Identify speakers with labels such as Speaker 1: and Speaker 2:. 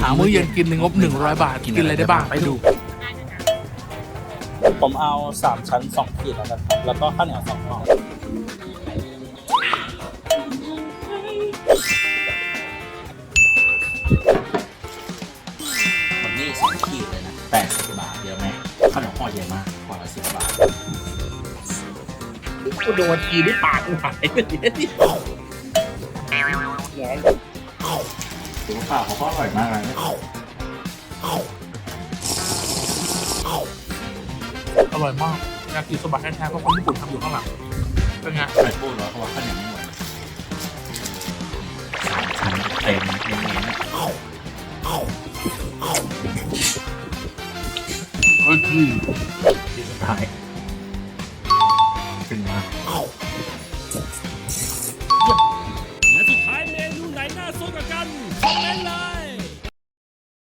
Speaker 1: หามื้อเย็นกินในงบ100 บาทกินอะไรได้บ้างไปดู
Speaker 2: ผมเอา3ชั้น2ขีดแล้วกันครับแล้วก็ข้าวเหนียว2ห่อ
Speaker 3: วันนี้2 ขีดเลยนะ80 บาทเยอะไหมขนมห่อใหญ่มากห่อละ10 บาท
Speaker 1: กูโดนทีด้วยปากกูหายไปเลย
Speaker 3: ถือว่าข้าวเขาก็อร่อยมากเลยนะ
Speaker 1: อร่อยมากยากิโซบะแท้ๆเพราะคนญี่ปุ่นทำอยู่ข้างหลังเป็นไง
Speaker 3: ไข่ปูร้อนเพราะว่าข้าวเหนียวไม่หมดชั้นเต็มเน้นๆ
Speaker 1: เฮ้ยพี่
Speaker 3: ที่สุดท้าย